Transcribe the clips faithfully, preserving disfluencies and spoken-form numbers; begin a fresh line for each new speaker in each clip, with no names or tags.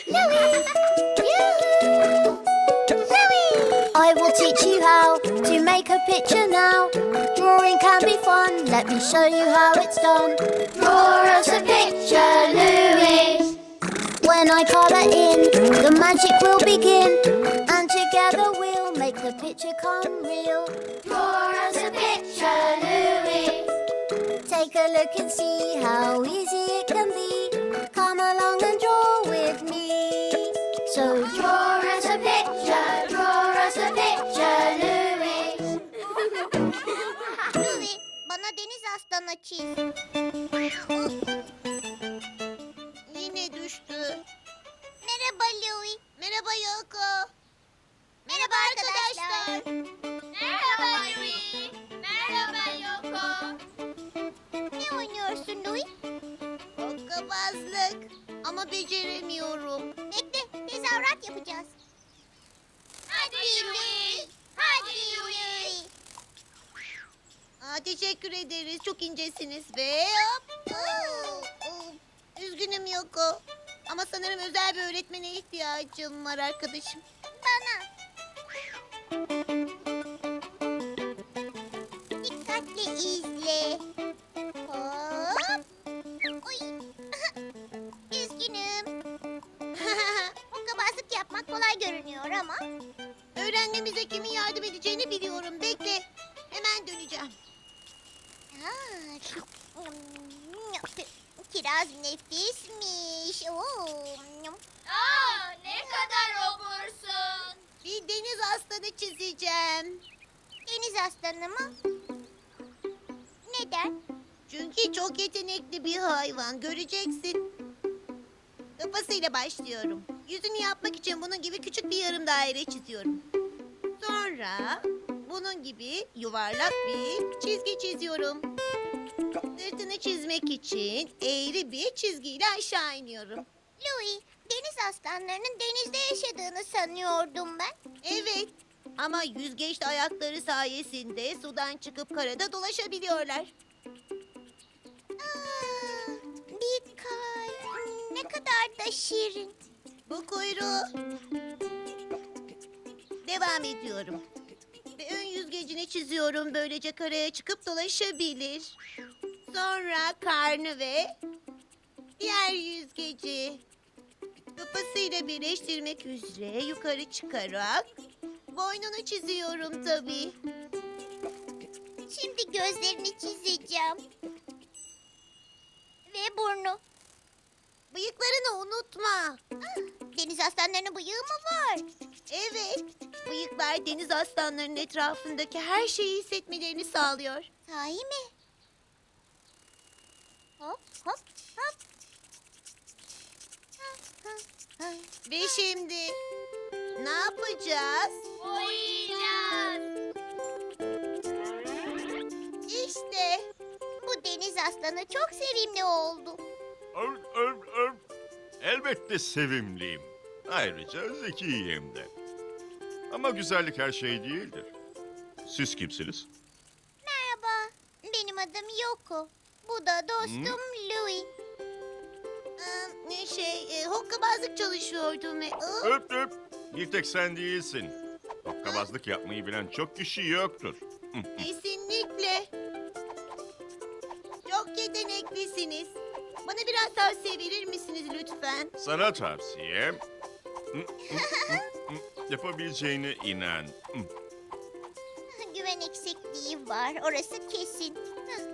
Louie! Yoo-hoo! Louie! I will teach you how to make a picture now. Drawing can be fun, let me show you how it's done. Draw us a picture, Louie. When I colour in, the magic will begin. And together we'll make the picture come real. Draw us a picture, Louie. Take a look and see how easy it can be. Come along and draw with me. So draw us a picture, draw us a picture, Louie.
Louie, bana deniz aslanı çiz.
Yine düştü.
Merhaba Louie.
Merhaba Yoko.
Merhaba arkadaşlar.
Merhaba Louie. Merhaba Yoko.
Ne oynuyorsun Louie?
Hokkabazlık. Ama beceremiyorum.
Bekle, tezahürat yapacağız.
Hadi
Louie. Hadi Louie.
Aa, teşekkür ederiz. Çok incesiniz ve hop. Oo, oo. Üzgünüm Yoko. Ama sanırım özel bir öğretmene ihtiyacım var arkadaşım.
Bana. Dikkatle izle. Hop. Uy. Üzgünüm. Hokkabazlık yapmak kolay görünüyor ama.
Öğrenmemize kimin yardım edeceğini biliyorum. Bekle. Hemen döneceğim.
Aa, kiraz nefismiş. Oo.
Aa, ne kadar obursun.
Bir deniz aslanı çizeceğim.
Deniz aslanı mı? Neden?
Çünkü çok yetenekli bir hayvan. Göreceksin. Kafasıyla başlıyorum. Yüzünü yapmak için bunun gibi küçük bir yarım daire çiziyorum. Sonra bunun gibi yuvarlak bir çizgi çiziyorum. Sırtını çizmek için eğri bir çizgiyle aşağı iniyorum.
Louie, deniz aslanlarının denizde yaşadığını sanıyordum ben.
Evet, ama yüzgeçli ayakları sayesinde sudan çıkıp karada dolaşabiliyorlar.
Aa, bir kalp. Ne kadar da şirin.
Bu kuyruğu. Devam ediyorum. Ve ön yüzgecini çiziyorum. Böylece karaya çıkıp dolaşabilir. Sonra karnı ve diğer yüzgeci. Kafasıyla birleştirmek üzere yukarı çıkarak boynunu çiziyorum tabii.
Şimdi gözlerini çizeceğim. Ve burnu.
Bıyıklarını unutma.
Ah, deniz aslanlarının bıyığı mı var?
Evet, bıyıklar deniz aslanlarının etrafındaki her şeyi hissetmelerini sağlıyor.
Sahi mi? Hop hop hop. Ha, ha, ha.
Ve şimdi ne yapacağız?
Boyayacağız.
İşte
Bu deniz aslanı çok sevimli oldu.
Öv, öv, öv. Elbette sevimliyim. Ayrıca zekiyim de. Ama güzellik her şey değildir. Siz kimsiniz?
Merhaba, benim adım Yoko. Bu da dostum Louie.
Ee, ne şey, e, hokkabazlık çalışıyordum ve... Aa,
Öp öp. Bir tek sen değilsin. Hokkabazlık yapmayı bilen çok kişi yoktur.
kesinlikle. Çok yeteneklisiniz. Bana biraz tavsiye verir misiniz lütfen?
Sana tavsiyem... Yapabileceğine inan.
Güven eksikliği var, orası kesin. Hı.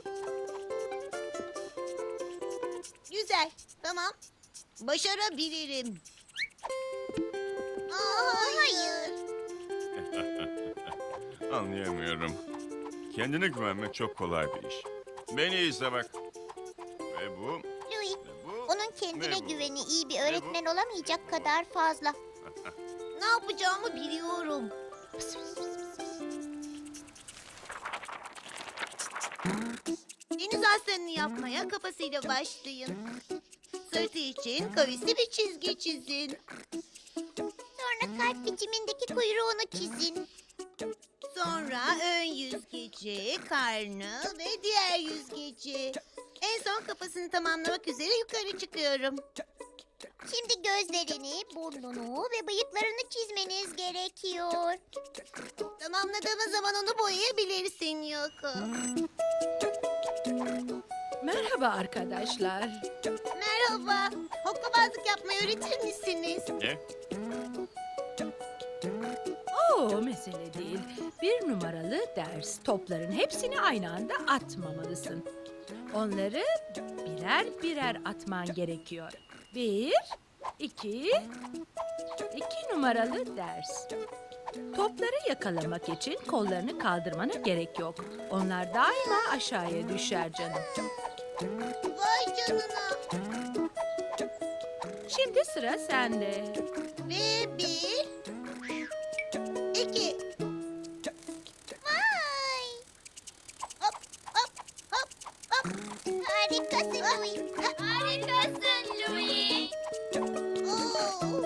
Güzel, tamam. Başarabilirim. Aa, hayır.
Anlayamıyorum. Kendine güvenmek çok kolay bir iş. Beni izle bak. Ve bu,
Louie,
ve bu...
onun kendine
Ne bu?
güveni iyi bir öğretmen olamayacak kadar fazla.
Ne yapacağımı biliyorum. Deniz aslanını yapmaya kafasıyla başlayın. Sırtı için kavisli bir çizgi çizin.
Sonra kalp biçimindeki kuyruğunu çizin.
Sonra ön yüzgeci, karnı ve diğer yüzgeci. En son kafasını tamamlamak üzere yukarı çıkıyorum.
Şimdi gözlerini, burnunu ve bıyıklarını çizmeniz gerekiyor.
Tamamladığımız zaman onu boyayabilirsin Yoko.
Merhaba arkadaşlar.
Merhaba. Hokkabazlık yapmayı öğretir misiniz?
Ne?
Oo, mesele değil. Bir numaralı ders. Topların hepsini aynı anda atmamalısın. Onları birer birer atman gerekiyor. Bir, iki, iki numaralı ders. Topları yakalamak için kollarını kaldırmana gerek yok. Onlar daima aşağıya düşer canım.
Vay canına.
Şimdi sıra sende.
Ve bir, iki.
Vay!
Hop hop hop hop.
Harikasın Louis.
Harikasın Louis.
Oo.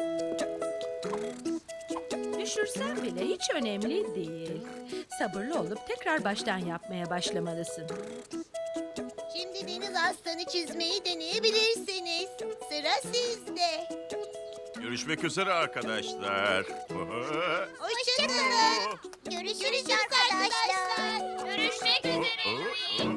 Düşürsen bile hiç önemli değil. Sabırlı olup tekrar baştan yapmaya başlamalısın.
Şimdi deniz aslanı çizmeyi deneyebilirsiniz. Sıra sizde.
Görüşmek üzere arkadaşlar.
Hoşçakalın.
Görüşürüz,
Görüşürüz
arkadaşlar.
arkadaşlar.
Görüşmek üzere Louis.